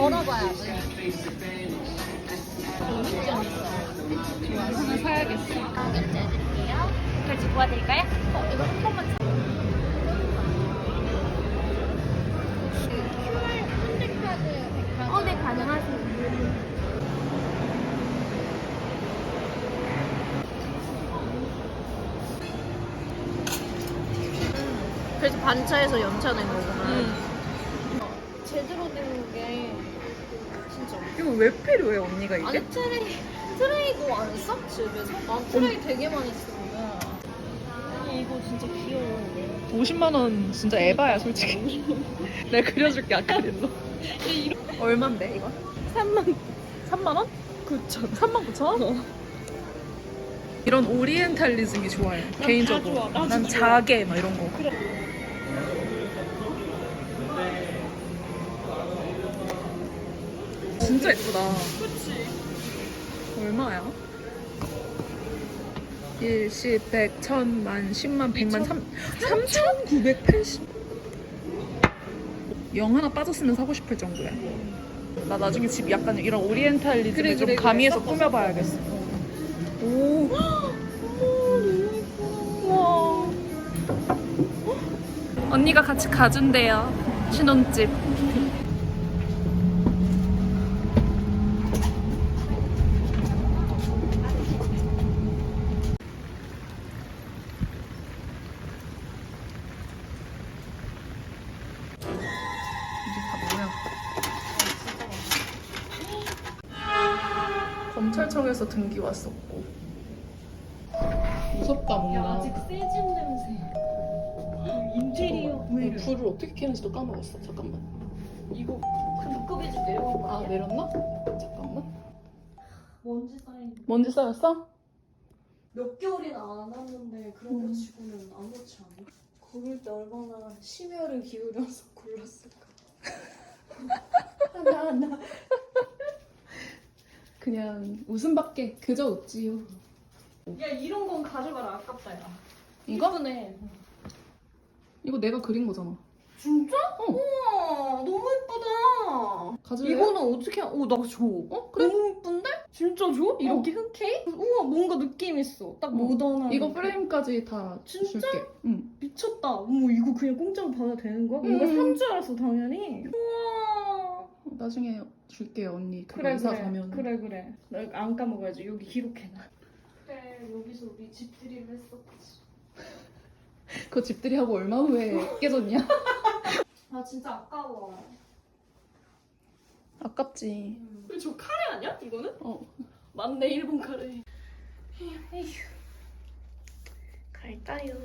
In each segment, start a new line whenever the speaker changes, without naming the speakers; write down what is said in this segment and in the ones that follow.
걸어봐야지.
좋아, 하나 사야겠어.
결제해드릴게요. 결제 도와드릴까요? 이거 한 번만 줘. QR 현대카드 네, 가능하세요. 그래서 반차에서 연차 낸 거구나. 제대로 된 게 진짜.
이거 왜 필요해, 언니가 이게?
아니 트레이도 안 써? 집에서? 난 트레이 되게 많이 쓰는데. 아니 이거 진짜 귀여워.
50만 원 진짜 에바야, 솔직히. 내가 그려줄게, 아까 그랬어. 얼만데, 이거? 3만 원? 9천. 3만 9천 원? 이런 오리엔탈리즘이 좋아요, 개인적으로.
좋아, 나도
난
좋아.
자개, 막 이런 거.
그래.
진짜 예쁘다.
그치.
얼마야? 1, 10, 100, 1000만, 10만, 100만, 3,980. 영 하나 빠졌으면 사고 싶을 정도야. 나 나중에 집 약간 이런 오리엔탈리즘을
그래,
좀
그래,
가미해서
그래.
꾸며봐야겠어. 오. 우와. 언니가 같이 가준대요. 신혼집. 이게 다 뭐야? 검찰청에서 등기 왔었고. 무섭다 뭔가.
아직 새집 냄새. 인테리어.
불을 어떻게 켜는지도 까먹었어. 잠깐만.
이거 그 두꺼비 집 내려온 거
아
아니야?
내렸나? 잠깐만.
먼지 쌓인.
먼지 쌓였어?
몇 개월이나 안 왔는데 그런 거 치고는 아무렇지 않아. 고를 때 얼마나 심혈을 기울여서 골랐을까. 나.
그냥 웃음밖에 그저 웃지요.
야 이런 건 가져가라 아깝다 야.
이거?
이쁘네.
이거 내가 그린 거잖아.
진짜?
어.
우와 너무 예쁘다.
가질래?
이거는 어떻게? 나 줘.
그래?
너무 예쁜데? 진짜 줘? 이렇게 흔쾌히? 우와 뭔가 느낌 있어. 딱 모던한.
이거 프레임까지 다
진짜?
줄게. 응.
미쳤다. 어머 이거 그냥 공짜로 받아도 되는 거야? 뭔가 산 줄 알았어 당연히. 우와.
나중에 줄게요 언니. 그거
그래
이사
그래.
가면.
그래. 나 안 까먹어야지. 여기 기록해놔. 그래 여기서 우리 집들이를 했었지.
그 집들이 하고 얼마 후에 깨졌냐?
아 진짜 아까워.
아깝지.
저 카레 아니야? 이거는?
어.
맞네 일본 카레. 에휴. 갈까요?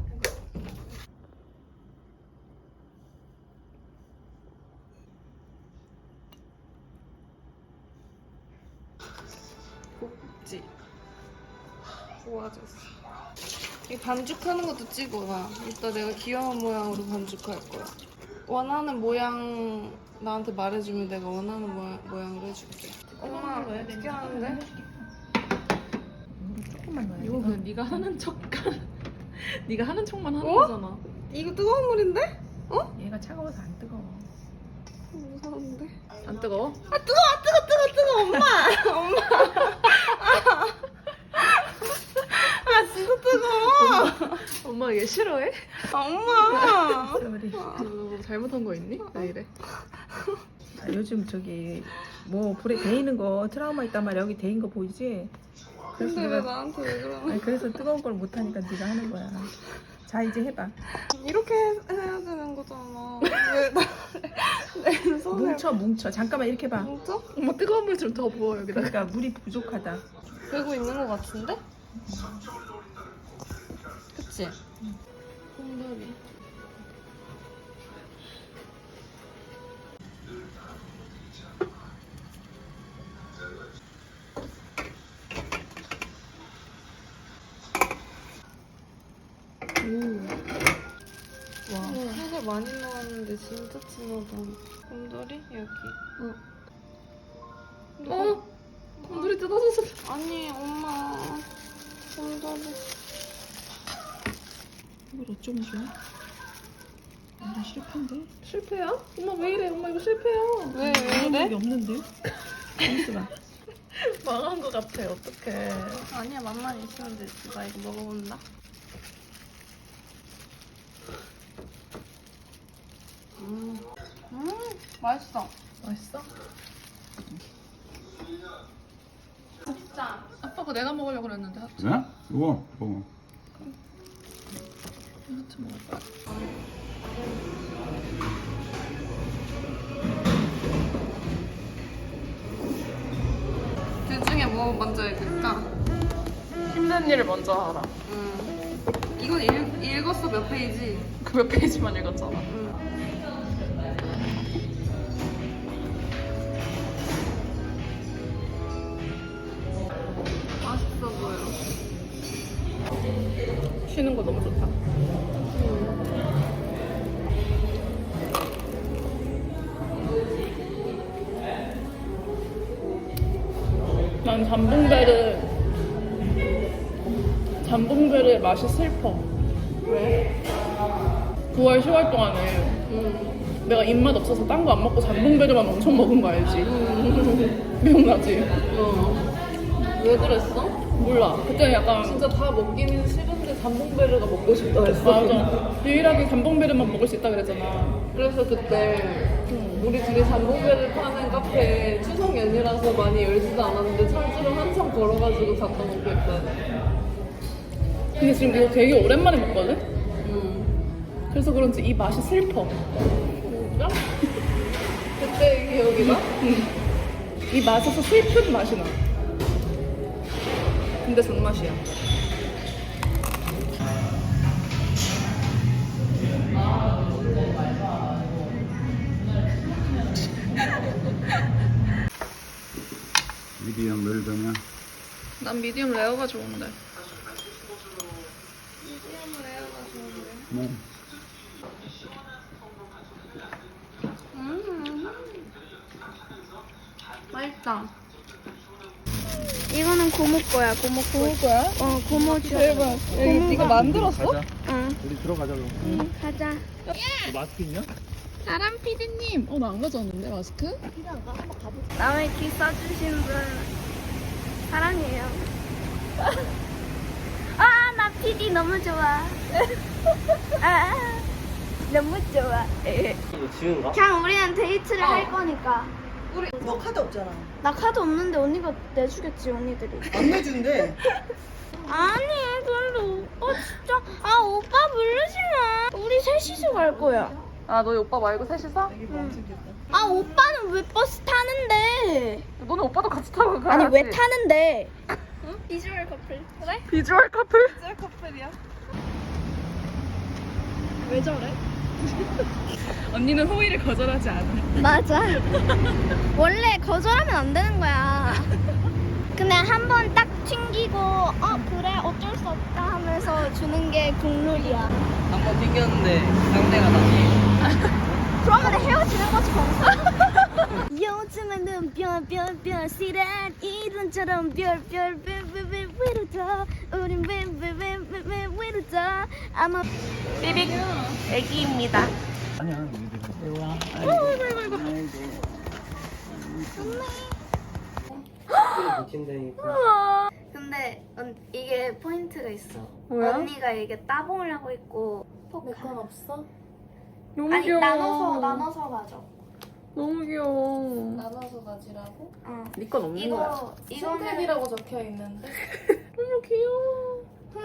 꼭지 좋아졌어. 이 반죽하는 것도 찍어놔. 이따 내가 귀여운 모양으로 반죽할 거야. 원하는 모양 나한테 말해주면 내가 원하는 모양으로 해줄게. 엄마 어떻게 하는데?
조금만 넣어야
이거
그냥 네가 하는 네가 하는 척만 하는 거잖아.
이거 뜨거운 물인데?
얘가 차가워서 안 뜨거워.
무서운데?
안 뜨거워?
뜨거 엄마. 아 진짜 뜨거워.
엄마 얘 싫어해?
엄마.
우리 너 잘못한 거 있니? 왜 이래?
아, 요즘 저기 뭐 불에 데이는 거 트라우마 있단 말이야. 여기 데인 거 보이지? 그래서
근데 왜
내가
나한테 왜 그러는
아니, 그래서 뜨거운 걸 못 하니까 네가 하는 거야. 자 이제 해봐.
이렇게 해야 되는 거잖아. 왜내 손에
뭉쳐. 잠깐만 이렇게 봐.
뭉쳐?
엄마 뜨거운 물 좀 더 부어 여기다.
그러니까 물이 부족하다.
되고 있는 거 같은데? 그치? 곰돌이. 와, 살을 많이 넣었는데 진짜 진하다. 곰돌이? 여기.
곰돌이 뜯어졌어.
아니, 엄마. 곰돌이.
이걸 어쩌면 좋아?
완전 실패인데?
실패야? 엄마 왜 이래? 엄마 이거 실패야.
왜
게
이래?
없는데? 잠시만.
망한 거 같아. 어떡해.
아니야, 맛만 있으면 되지. 나 이거 먹어본다. 맛있어.
맛있어?
진짜.
아빠 거 내가 먹으려고 그랬는데 하트.
그래? 이거 먹어.
하트 먹을까?
둘 중에 뭐 먼저 읽을까?
힘든 일을 먼저 하라.
이건 읽었어, 몇 페이지?
그 몇 페이지만 읽었잖아.
맛있어 보여.
쉬는 거 너무 좋다. 난 잠봉배를 맛이 슬퍼.
왜?
9월 10월 동안에 내가 입맛 없어서 딴 거 안 먹고 잠봉배를만 엄청 먹은 거 알지? 기억나지?
왜 그랬어?
몰라. 그때 약간
진짜 다 먹기는 싫은데 잠봉베르가 먹고 싶다 했어.
맞아. 유일하게 잠봉배를만 먹을 수 있다 그랬잖아.
그래서 그때 우리 둘이 잠봉베르 파는 카페 추석 연휴라서 많이 열지도 않았는데 철주로 한참 걸어가지고 갔다 먹고 있다.
근데 지금 이거 되게 오랜만에 먹거든? 그래서 그런지 이 맛이 슬퍼.
진짜? 그때 기억이 나?
이 맛에서 슬픈 맛이 나. 근데 존맛이야.
미디엄 웰던이야.
난 미디엄 레어가 좋은데.
뭐
맛있다.
이거는 고모 거야. 고모 거야? 어, 고모 줘. 대박.
이거 만들었어?
응.
우리 들어가자 그럼.
응, 가자.
마스크 있냐?
사람 피디님.
나 안 가져왔는데 마스크?
남의 기 써주신 분 사랑해요. 아, 나 피디 너무 좋아. 아, 너무 좋아.
이거 지은가?
그냥 우리는 데이트를 할 거니까.
너 카드 없잖아.
나 카드 없는데 언니가 내주겠지, 언니들이.
안 내준대.
아니, 근데 오빠 진짜. 아, 오빠 부르지 마. 우리 셋이서 갈 거야.
아, 너희 오빠 말고 셋이서?
아, 오빠는 왜 버스 타는데?
너네 오빠도 같이 타고 가야지.
아니, 왜 타는데? 비주얼 커플. 그래?
비주얼 커플?
짤 커플이야?
왜 저래?
언니는 호의를 거절하지 않아.
맞아. 원래 거절하면 안 되는 거야. 그냥 한 번 딱 튕기고, 그래, 어쩔 수 없다 하면서 주는 게 국룰이야.
한번 튕겼는데 상대가 나.
그러면 헤어지는 거지, 거기서. 요즘에는 별별별 시란 이런처럼 별별 왜로다 우린 왜 왜로다 아마 삐빅 애기입니다.
아니야.
붙인다니까.
근데 이게 포인트가 있어.
뭐야?
언니가 이게 따봉을 하고 있고
내 건 없어?
너무
아니
귀여워.
나눠서 가져.
너무 귀여워.
나눠서 가지라고?
어.
네 건 없는 거야.
이거는
신택이라고 적혀 있는데.
너무 귀여워.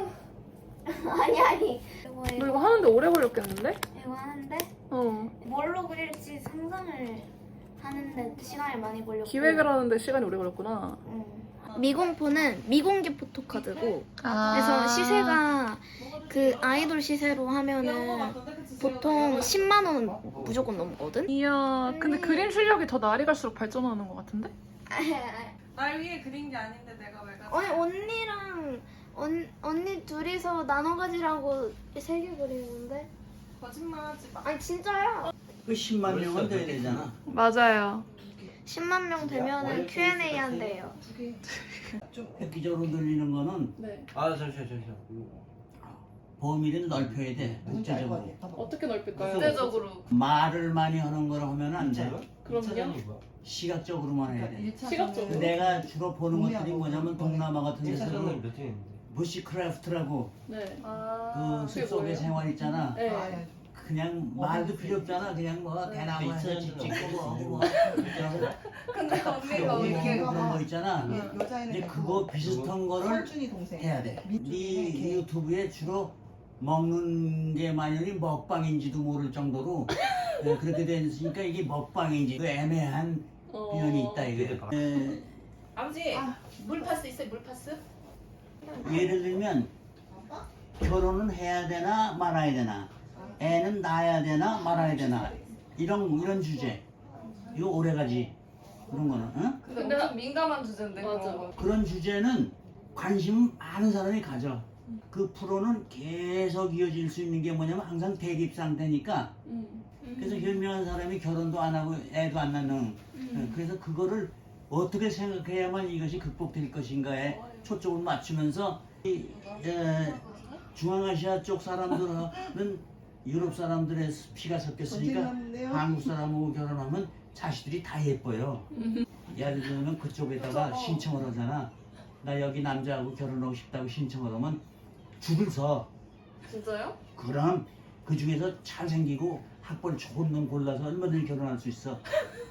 아니
너 이거 하는데 오래 걸렸겠는데?
이거 하는데
어.
뭘로 그릴지 상상을 하는데 시간이 많이 걸렸고
기획을 하는데 시간이 오래 걸렸구나.
미공포는 미공개 포토카드고 그래서 시세가 그 아이돌 시세로 하면은 보통 10만 원 무조건 넘거든?
이야, 근데 그림 실력이 더 날이 갈수록 발전하는 것 같은데?
날 위해 그린 게 아닌데 내가 왜 가지?
아니 언니랑 언니 둘이서 나눠 가지라고 3개 그리는데
거짓말하지 마.
아니 진짜야
그 10만 명은 돼야 되잖아.
맞아요.
10만 명 되면은 Q&A 한대요.
좀 획기적으로 늘리는 거는
네.
아, 저.
범위를 넓혀야 돼. 국제적으로.
어떻게 넓힐까요? 국제적으로.
말을 많이 하는 걸 하면 안 돼.
그럼요.
시각적으로만 해야 돼.
시각적으로.
내가 주로 보는 것들이 뭐냐면 동남아 같은 데서는
차전은 몇 회인데?
부시크래프트라고
네.
그
그게
숲속의
뭐예요?
생활 있잖아.
네.
그냥 말도 필요 없잖아. 그냥 뭐 대나무에서 찍고 뭐
근데 언니가 왜 이렇게
그런 거 있잖아.
여자애는
이제 그거 비슷한 거를
삼촌이 동생.
해야 돼. 네 유튜브에 주로 먹는 게 만연히 먹방인지도 모를 정도로 그렇게 됐으니까 이게 먹방인지 그 애매한 표현이 있다 이게.
아버지 물파스 있어요? 물파스?
예를 들면 결혼은 해야 되나 말아야 되나, 애는 낳아야 되나 말아야 되나 이런 주제 이거 오래가지 그런 거는. 응?
근데 엄청 민감한 주제인데 맞아.
그런 주제는 관심 많은 사람이 가져. 그 프로는 계속 이어질 수 있는 게 뭐냐면 항상 대립 상태니까. 그래서 현명한 사람이 결혼도 안 하고 애도 안 낳는. 그래서 그거를 어떻게 생각해야만 이것이 극복될 것인가에 초점을 맞추면서 중앙아시아 쪽 사람들은 유럽 사람들의 피가 섞였으니까 한국 사람하고 결혼하면 자식들이 다 예뻐요. 예를 들면 그쪽에다가 신청을 하잖아. 나 여기 남자하고 결혼하고 싶다고 신청을 하면 줄을 서.
진짜요?
그럼 그 중에서 잘생기고 학벌 좋은 놈 골라서 얼마든지 결혼할 수 있어.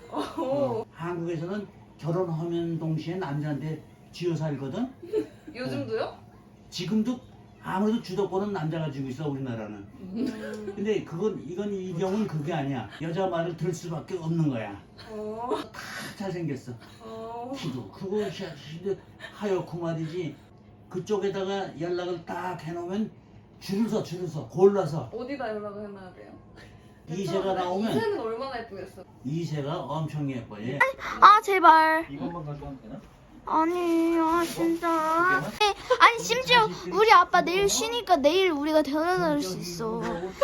한국에서는 결혼하면 동시에 남자한테 쥐어 살거든.
요즘도요?
지금도 아무래도 주도권은 남자가 쥐고 있어 우리나라는. 근데 이건 이 경우는 그게 아니야. 여자 말을 들을 수밖에 없는 거야. 다 잘생겼어. 키도 크고 하얗고 말이지. 그쪽에다가 연락을 딱 해놓으면 줄을 서 골라서.
어디다 연락을 해놔야 돼요?
이세가 나오면
이세는 얼마나 예쁘겠어?
이세가 엄청 예뻐. 얘.
아 제발.
이것만 가져가면 되나?
아니 진짜. 아니 심지어 우리 아빠 내일 쉬니까 내일 우리가 데려다 줄 수 있어.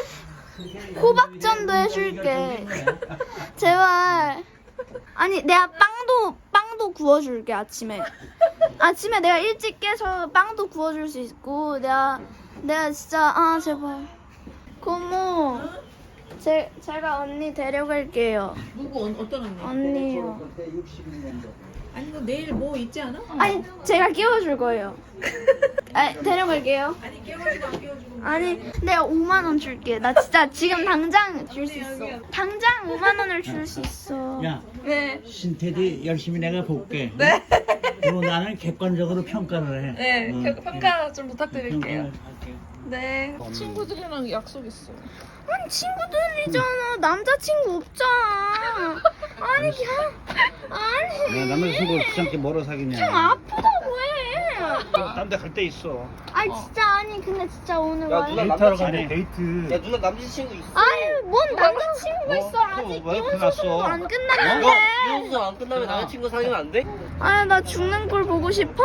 호박전도 해줄게. 제발. 아니 내가 빵도 구워줄게 아침에. 아침에 내가 일찍 깨서 빵도 구워줄 수 있고 내가 진짜 아 제발. 고모. 제가 언니 데려갈게요.
누구 어떤 언니?
언니요.
그때 61년도.
아니 너 내일 뭐 있지 않아?
아니 제가 깨워줄 거예요. 아니 데려갈게요.
아니 깨워주고 안 깨워주고.
아니 내가 5만 원 줄게. 나 진짜 지금 당장 줄 수 있어. 당장 5만 원을 줄 수 있어.
야,
네.
신태디 열심히 내가 볼게. 네. 그리고 나는 객관적으로 평가를 해.
네, 평가 좀 부탁드릴게요.
평가를 할게.
네.
친구들이랑 약속 있어.
아니 친구들이잖아. 남자친구 없잖아. 아니 아니.
남자친구 귀찮게 멀어 사귀냐?
좀 아프다고 해.
딴 데 갈 데 있어.
아니 진짜 아니 근데 진짜 오늘
야,
와.
누나
데이트하러
남자친구.
가네. 데이트.
야 누나 남자친구 있어.
아니 뭔 남자친구가 있어. 아직
왜
이혼
끝났어?
소송도 안
야,
끝났는데.
이혼수 안 끝나면 남자친구 사귀면 안 돼?
아니 나 죽는 꼴 보고 싶어?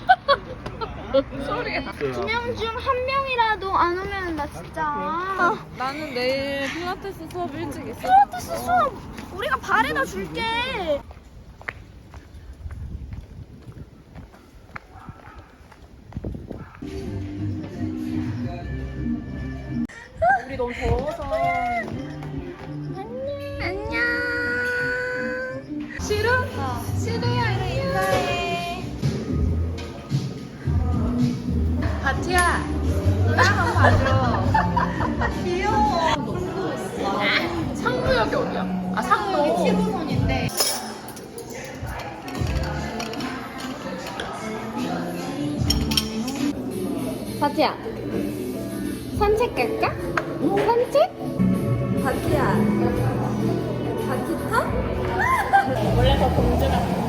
소리야.
두 명 중 한 명이라도 안 오면 나 진짜.
나는 내일 필라테스 수업 일찍 있어.
필라테스 수업 우리가 발에다 줄게.
우리 너무 더워서.
안녕.
싫어? 싫어요. 이래 인사해. 바티야. 나 한번 봐줘. 귀여워. 상무역이 어디야? 아 상무. 여기 7호선인데.
바티야. 산책 갈까? 산책? 바티야. 바티 타? 원래 저 공주랑